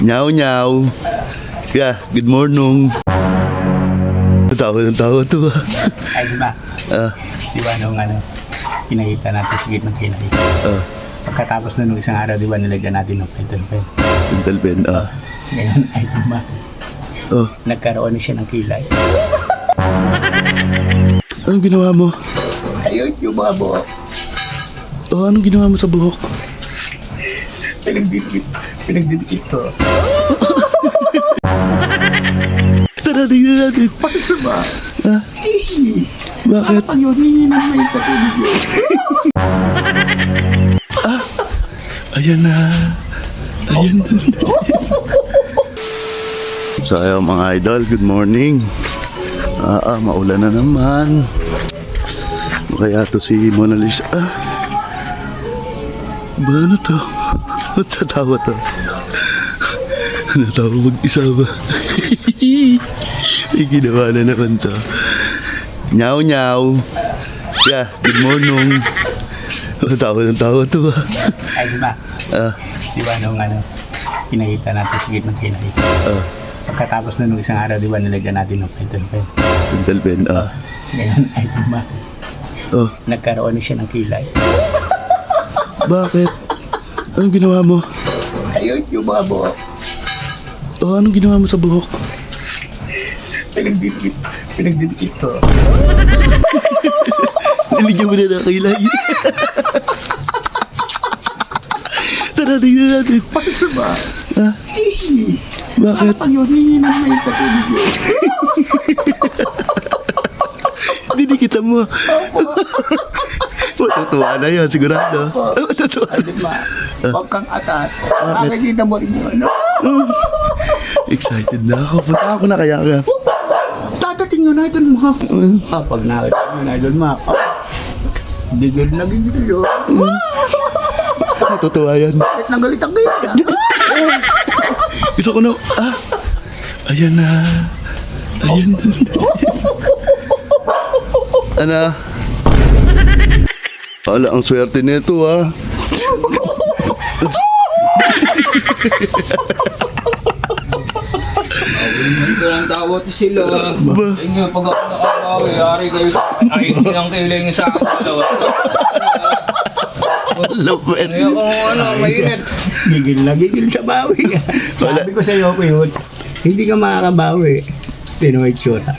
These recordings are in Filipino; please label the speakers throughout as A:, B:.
A: Nyaw, nyaw. Yeah, good morning. Tawa ng tawa to ba?
B: Ay, di ba? Di ba nung pinahita natin sa gitnang kilay? Pagkatapos na nung isang araw, di ba nilagyan natin ng pentel pen?
A: Pentel pen,
B: Ngayon, ay di ba? Nagkaroon na siya ng kilay.
A: Anong ginawa mo?
B: Ayun, yung mga buhok.
A: Anong ginawa mo sa buhok?
B: Pinagdidikit ko.
A: Tara, tingnan natin.
B: Paano ba? Easy.
A: Bakit?
B: Pag yun, hindi na may katulog yun.
A: Ayan na. Ayan na. So, ayun, mga idol, good morning. Maulan na naman. Kaya to si Mona Lisa. Ba, ano to? Tatawa to. Natawa mag-isa ba? May ginawa na naman to. Nyaw, nyaw. Yeah, good morning. Tawa ng tawa to ba?
B: Ay, di ba? Di ba nung pinahita natin sa gitnang kilay? Pagkatapos na nung isang araw, di ba nilagyan natin ng pentel pen?
A: Pentel pen,
B: Ngayon, ay di ba? Nagkaroon na siya ng kilay.
A: Bakit? Anong ginawa mo?
B: Ayun, yung mga buhok.
A: Anong ginawa mo sa buhok?
B: Pinagdidikit ko.
A: Niligyan mo na ng kilay. Tara, tingnan natin.
B: Paano ba? Easy.
A: Bakit?
B: Pag yun, hindi na may katulog yun.
A: Dinikitan mo. Matutuwa na yun, sigurado. Matutuwa.
B: Ay, di ba? Huwag kang atas. Nakakita mo rin yun.
A: Excited na ako. Punta ako na kaya ka.
B: Tatating yun, Idol Mac. Pag nakita yun, Idol Mac. Gigil na gigil yun.
A: Matutuwa yan.
B: Galit na galit ang gigil.
A: Gusto ko na. Ayan na. Ayan na. Ana. Wala, ang swerte nito
C: Ito lang tawat sila. Inyo, pag ako nakabawi, ari kayo sa... Ay, hindi lang kayo lang sa akin dalawa.
A: Lupin.
C: Ayaw ko mainit.
B: Gigil na gigil sa bawi. Sabi ko sa'yo ko yun, hindi ka makakabawi. Pinoy tsura.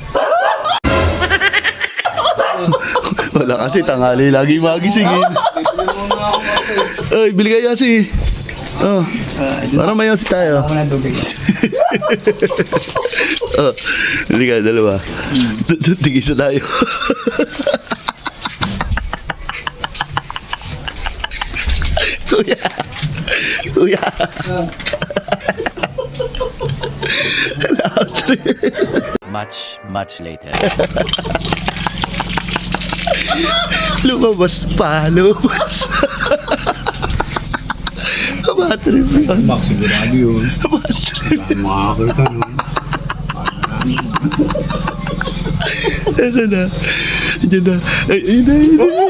A: Wala kasi tanghali lagi magisingin.
C: Bibili mo na ako kasi.
A: Ay, bili kaya si. Para mayon si tayo.
B: Ako na tubig.
A: Bili ka, dalawa. Tigisa tayo. Kuya. Kuya.
D: Much later.
A: Lumabas pa, lumabas. Battery mo yun.
B: Max, sigurado yun.
A: Battery.
B: Makakita nun.
A: Ano na? Diyan na. Ay, ayun na, ayun na.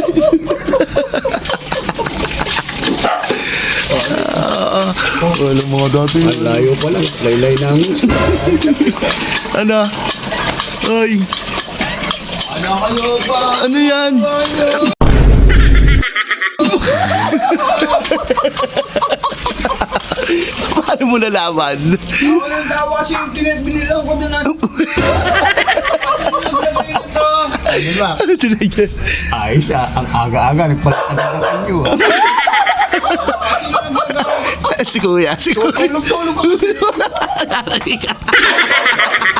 A: Walang mga dati.
B: Ang layo pa lang. Laylay namin.
A: Ano? Ay,
C: Ano kayo pa?
A: ano yan? Paano mo nalaman?
C: Ako lang tawa kasi yung binilang ko doon nasa...
B: Ay, di ba?
A: Ano tinigyan?
B: Ayos ang aga-aga. Nagpalakad ng kanyo.
A: Si Kuya, si Kuya.
B: Tulog-tulog ako.
A: Narinig ka.